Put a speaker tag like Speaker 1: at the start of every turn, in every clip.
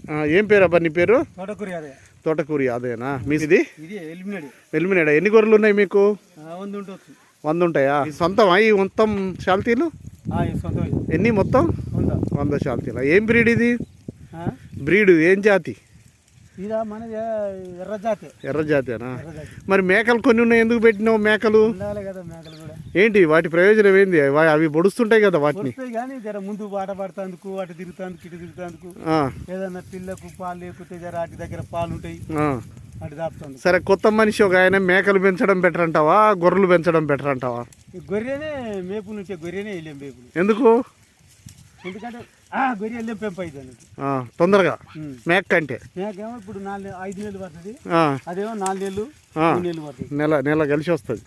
Speaker 1: ఏం పేరు అబ్బా నీ పేరు?
Speaker 2: తోటకూరి అదే.
Speaker 1: తోటకూరి అదేనా మీది?
Speaker 2: ఇది ఎలిమినేడ్.
Speaker 1: ఎలిమినేడా? ఎన్ని గొర్రెలు ఉన్నాయి మీకు?
Speaker 2: 100 ఉంటుంది.
Speaker 1: 100 ఉంటాయా? సొంతమా ఈ మొత్తం శాల్తీలు?
Speaker 2: సొంతం.
Speaker 1: ఎన్ని మొత్తం? 100 శాల్తీలా? ఏం బ్రీడ్ ఇది? బ్రీడ్ ఏం జాతి?
Speaker 2: ఇదా మనది ఎర్ర జాతి.
Speaker 1: ఎర్ర జాతేనా? మరి మేకలు కొన్ని ఉన్నాయి, ఎందుకు పెట్టినావు మేకలు?
Speaker 2: కదా మేకలు కూడా.
Speaker 1: ఏంటి వాటి ప్రయోజనం ఏంది? అవి పొడుస్తుంటాయి కదా వాటిని.
Speaker 2: కానీ జర ముందు వాట పడుతుందుకు, అటు తిరుగుతాందుకు, ఇటు తిరుగుతాందుకు, ఏదన్నా పిల్లకు పాలు లేకపోతే జర అటు దగ్గర పాలు ఉంటాయి, అటు దాపుతుంది.
Speaker 1: సరే, కొత్త మనిషి ఒక ఆయన మేకలు పెంచడం బెటర్ అంటావా, గొర్రెలు పెంచడం బెటర్ అంటావా?
Speaker 2: గొర్రెనే మేపులు నుంచే గొర్రెనే వెళ్ళాం మేపులు.
Speaker 1: ఎందుకు?
Speaker 2: ఎందుకంటే గొర్రె వెళ్ళాం పెంపు అవుతుంది
Speaker 1: తొందరగా. మేక కంటే
Speaker 2: మేకేమో ఇప్పుడు 5 నెలలు పడుతుంది, అదేమో 4 నెలలు 3 నెలలు పడుతుంది.
Speaker 1: నెల కలిసి వస్తుంది.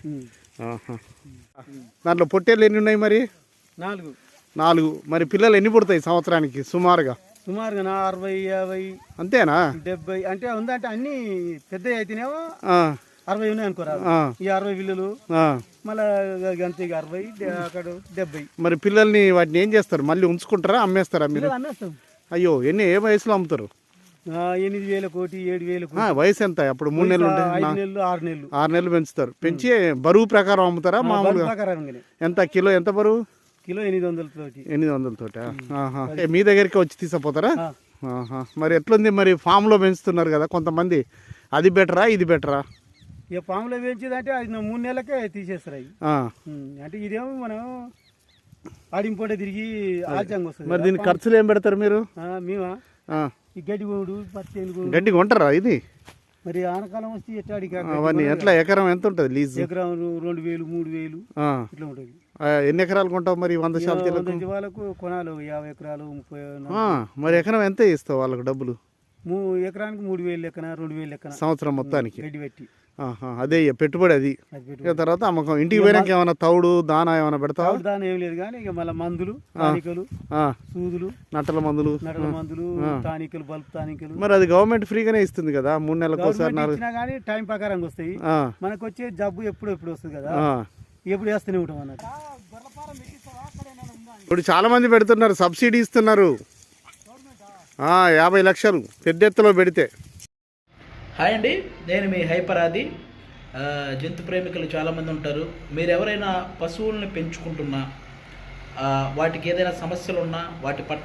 Speaker 1: దాంట్లో పొట్టేళ్ళు ఎన్ని ఉన్నాయి మరి? 4. మరి పిల్లలు ఎన్ని పుడతాయి సంవత్సరానికి సుమారుగా?
Speaker 2: 60, 50
Speaker 1: అంతేనా?
Speaker 2: 70 అంటే ఉందంటే అన్ని పెద్ద అయితేనేమో 60 ఉన్నాయి అనుకోరా. ఈ 60 పిల్లలు మళ్ళీ అంతే 60 అక్కడ 70.
Speaker 1: మరి పిల్లల్ని వాటిని ఏం చేస్తారు? మళ్ళీ ఉంచుకుంటారా, అమ్మేస్తారా మీరు?
Speaker 2: అమ్మేస్తాం.
Speaker 1: అయ్యో, ఏ వయసులో అమ్ముతారు?
Speaker 2: 8,000 కోటి 7,000.
Speaker 1: వయసు ఎంత? అప్పుడు 3 నెలలు ఉంటాయి.
Speaker 2: 5 నెలలు 6 నెలలు.
Speaker 1: 6 నెలలు పెంచుతారు. పెంచి బరువు ప్రకారం అమ్ముతారా మామూలుగా? ఎంత కిలో? ఎంత బరువు?
Speaker 2: కిలో 800
Speaker 1: తోటి. మీ దగ్గరికి వచ్చి తీసుకుపోతారా? మరి ఎట్లుంది మరి? ఫామ్ లో పెంచుతున్నారు కదా కొంతమంది, అది బెటరా ఇది బెటరా?
Speaker 2: ఇక ఫామ్లో పెంచేదంటే అది 3 నెలలకే తీసేస్తారు అవి. అంటే ఇదేమో మనం ఆడింపోటే తిరిగి ఆల్చంగా వస్తుంది.
Speaker 1: మరి దీనికి ఖర్చులు ఏం పెడతారు మీరు?
Speaker 2: మేమా ఈ గడ్డి కొనుడు, పత్తి
Speaker 1: గడ్డి కొంటారా ఇది?
Speaker 2: మరి ఆనకాలం వస్తే
Speaker 1: అవన్నీ ఎట్లా? ఎకరం ఎంత ఉంటుంది లీజ్?
Speaker 2: ఎకరం 2,000 3,000 ఇట్లా ఉంటుంది.
Speaker 1: ఎన్ని ఎకరాలు కొంటావు మరి 100 శాల్తీలకు?
Speaker 2: వాళ్ళకు కొనాలి 50 ఎకరాలు 30.
Speaker 1: మరి ఎకరం ఎంత ఇస్తావు వాళ్ళకు డబ్బులు?
Speaker 2: ఎకరానికి 3,000 లెక్కన 2,000 లెక్కన
Speaker 1: సంవత్సరం మొత్తానికి
Speaker 2: గడ్డి పెట్టి.
Speaker 1: అదే పెట్టుబడి అది. తర్వాత అమ్మకం. ఇంటికి పోయినాక ఏమైనా తౌడు దానా ఏమైనా పెడతావు?
Speaker 2: దానా ఏం లేదు కానీ ఇక మళ్ళీ మందులు, టానికలు, సూదులు,
Speaker 1: నట్టల మందులు,
Speaker 2: టానికలు, బల్బ్ టానికలు.
Speaker 1: మరి అది గవర్నమెంట్ ఫ్రీగానే ఇస్తుంది కదా 3 నెలలకు ఒకసారి.
Speaker 2: కానీ టైం ప్రకారం వస్తాయి. మనకు వచ్చే జబ్బు ఎప్పుడు వస్తుంది కదా, ఎప్పుడు వేస్తూనే ఉంటాం అన్నట్టు.
Speaker 1: ఇప్పుడు చాలా మంది పెడుతున్నారు, సబ్సిడీ ఇస్తున్నారు 50 లక్షలు పెద్ద ఎత్తులో పెడితే.
Speaker 3: హాయ్ అండి, నేను మీ హైపరాది. జంతు ప్రేమికులు చాలామంది ఉంటారు. మీరు ఎవరైనా పశువుల్ని పెంచుకుంటున్నా, వాటికి ఏదైనా సమస్యలు ఉన్నా, వాటి పట్ల